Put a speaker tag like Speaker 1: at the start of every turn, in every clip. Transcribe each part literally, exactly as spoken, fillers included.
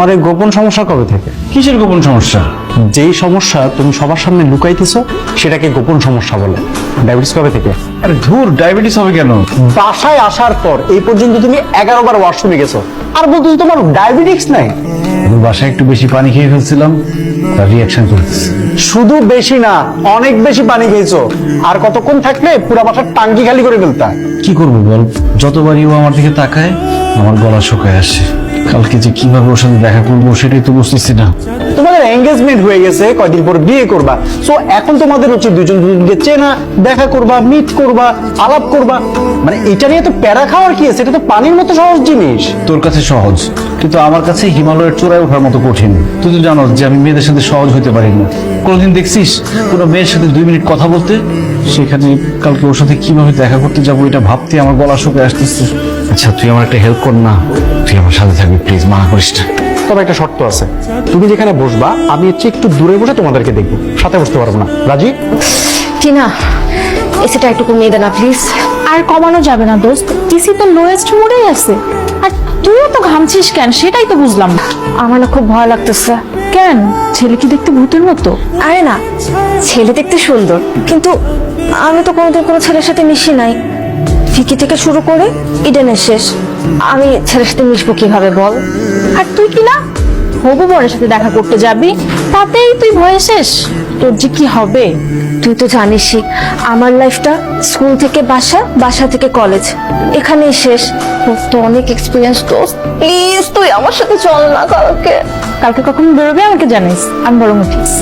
Speaker 1: তোমার এই গোপন সমস্যা কবে থেকে?
Speaker 2: কিসের গোপন সমস্যা?
Speaker 1: যেই সমস্যা তুমি সবার সামনে লুকাইতেছো সেটাকে গোপন সমস্যা বলে। ডায়াবেটিস কবে থেকে?
Speaker 2: আরে ধুর, ডায়াবেটিস হবে কেন?
Speaker 1: বাসায় আসার পর এই পর্যন্ত তুমি এগারো বার ওয়াশরুমে গেছো আর বলতেছো তোমার ডায়াবেটিস নাই।
Speaker 2: আমি বাসায় একটু বেশি পানি খেয়ে ফেলছিলাম, তার রিয়াকশন করতেছে।
Speaker 1: শুধু বেশি না, অনেক বেশি পানি খেয়েছো। আর কতক্ষণ থাকলে পুরো বাসার টাঙ্কি খালি করে ফেলতা।
Speaker 2: কি করবো বল, যতবারই ও আমার দিকে তাকায় আমার গলা শুকায় আসে। কালকে যে কিভাবে ওর সাথে দেখা করবো সেটাই তো বুঝতেছি না।
Speaker 1: তোমাদের এঙ্গেজমেন্ট হয়ে গেছে, কয়দিন পর বিয়ে করবা। সো এখন তোমাদের উচিত দুজন দুজনকে চেনা, দেখা করবা, মিট করবা, আলাপ করবা। মানে এটা নিয়ে তো প্যারা খাওয়ার কি আছে? এটা তো পানির মতো সহজ জিনিস।
Speaker 2: তোর কাছে সহজ, কিন্তু আমার কাছে হিমালয়ের চূড়ায় ওঠার মতো কঠিন। তুই তো জানোস যে আমি মেয়েদের সাথে সহজ হতে পারি না। কোনোদিন দেখছিস কোনো মেয়ের সাথে দুই মিনিট কথা বলতে? সেখানে কালকে ওর সাথে কিভাবে দেখা করতে যাবো এটা ভাবতে আমার গলা শুকিয়ে আসতেছে। আচ্ছা তুই আমার একটা হেল্প কর না, তুই আমার সাথে থাকবি প্লিজ, মানা করিস না।
Speaker 1: তবে একটা শর্ত আছে, তুমি যেখানে বসবা আমি হচ্ছে একটু দূরে বসে তোমাদেরকে দেখবো, সাথে বসতে পারবো না। রাজি?
Speaker 3: টিনা, এসিটা একটু কমিয়ে দে না প্লিজ।
Speaker 4: আর কমানো যাবে না দোস্ত, টিসি তো লোয়েস্ট মোডেই আছে। আর তুইও তো ঘামছিস কেন সেটাই তো বুঝলাম না।
Speaker 3: আমার না খুব ভয় লাগতেছে।
Speaker 4: কেন, ছেলে কি দেখতে ভূতের মতো?
Speaker 3: আরে না, ছেলে দেখতে সুন্দর, কিন্তু আমি তো কোনোদিন কোনো ছেলের সাথে মিশি নাই। ফিকি থেকে শুরু করে ইডেনের শেষ, আমি ছেলের সাথে মিশবো কিভাবে বল?
Speaker 4: আর তুই কি না হবু বরের সাথে দেখা করতে যাবি, তাতেই তুই ভয়ে শেষ। তোর যে কি হবে?
Speaker 3: তুই তো জানিসই আমার লাইফটা স্কুল থেকে বাসা, বাসা থেকে কলেজ, এখানেই শেষ। তোর তো অনেক এক্সপিরিয়েন্স দোস্ত, প্লিজ তুই আমার সাথে চল না কালকে।
Speaker 4: কালকে কখন বেরোবে আমাকে জানিস, আমি বরং উঠিস।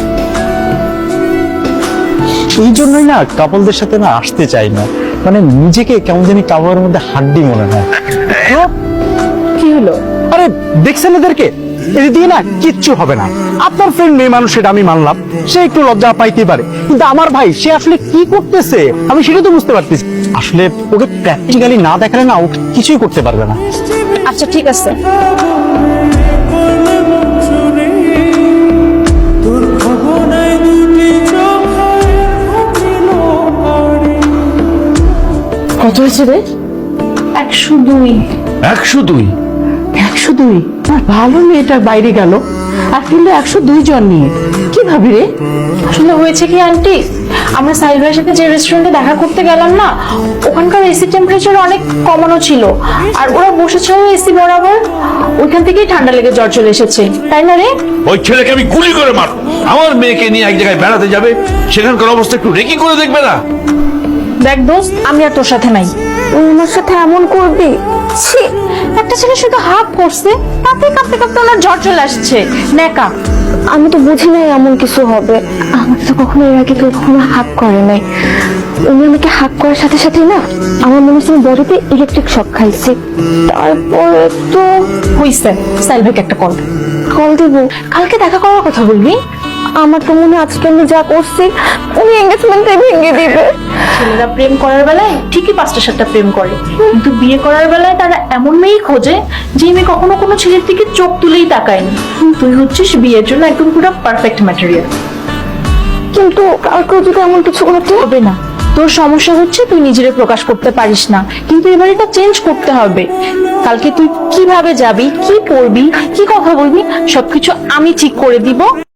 Speaker 1: এই জন্যই না কাপলদের সাথে না আসতে চাই না। মানে নিজেকে কেমন জানি কাপড়ের মধ্যে হাড্ডি মনে হয়।
Speaker 4: কি হলো?
Speaker 1: আরে দেখছেন এদেরকে, এদের দিয়ে না কিচ্ছু হবে না। আপনার ফ্রেন্ড মেয়ে মানুষ, সেটা আমি মানলাম, সে একটু লজ্জা পাইতে পারে, কিন্তু আমার ভাই সে আসলে কি করতেছে আমি সেটা তো বুঝতে পারতেছি। আসলে ওকে প্র্যাকটিক্যালি না দেখালে না ও কিছুই করতে পারবে না।
Speaker 4: আচ্ছা ঠিক আছে,
Speaker 5: কত হয়েছে রে?
Speaker 4: একশো দুই।
Speaker 2: একশো দুই?
Speaker 5: একশো দুই? আর ভালো মেয়েটা বাইরে গেল আর ফিরলো একশো দুই জন নিয়ে, কি ভাবি রে?
Speaker 4: আসলে হয়েছে কি আন্টি, আমরা সাহিল ভাইয়ের সাথে যে রেস্টুরেন্টে দেখা করতে গেলাম না, ওখানকার এসি টেম্পারেচার অনেক কমানো ছিল। আর ওরা বসেছিল এসি বরাবর, ওইখান থেকেই ঠান্ডা লেগে জ্বর চলে এসেছে, তাই না রে?
Speaker 6: ওই ছেলেকে আমি গুলি করে মার। আমার মেয়েকে নিয়ে এক জায়গায় বেড়াতে যাবে, সেখানকার অবস্থা একটু রেকি করে দেখবে না?
Speaker 4: দেখ দোস্ত, আমি আর তোর সাথে নাই।
Speaker 3: তুই আমার সাথে এমন করবি?
Speaker 4: ছি, একটা ছেলে শুধু হাফ করছে, তাতে কাঁপতে কাঁপতে ওনার জ্বর চলে আসছে, নেকা।
Speaker 3: আমি তো বুঝি নাই এমন কিছু হবে। আমার তো কখনো এর আগে কেউ কখনো হাক করে নাই। উনি আমাকে হাক করার সাথে সাথে না আমার মনে হচ্ছে বডিতে ইলেকট্রিক শক খাইছে। তারপরে তো
Speaker 4: হইছে, সাহিল ভাইকে একটা কল
Speaker 3: কল দিব।
Speaker 4: কালকে দেখা করার কথা বলবি।
Speaker 3: আমার তো মনে হয় আজকে আমি যা করছি উনি এঙ্গেজমেন্টে ভেঙে দিবে।
Speaker 4: ছেলেরা প্রেম করার বেলায় ঠিকই পাঁচটা সাতটা প্রেম করে, কিন্তু বিয়ে করার বেলায় তারা এমন মেয়েই খোঁজে যে মেয়ে কখনো কোনো ছেলের দিকে চোখ তুলেই তাকায়নি। তুই হচ্ছিস বিয়ের জন্য একদম পুরো পারফেক্ট ম্যাটেরিয়াল।
Speaker 3: কিন্তু কালকেও যদি এমন কিছু হতো?
Speaker 4: হবে না, তোর সমস্যা হচ্ছে তুই নিজেরে প্রকাশ করতে পারিস না, কিন্তু এবার এটা চেঞ্জ করতে হবে। কালকে তুই কিভাবে যাবি, কি পড়বি, কি কথা বলবি, সবকিছু আমি ঠিক করে দিব।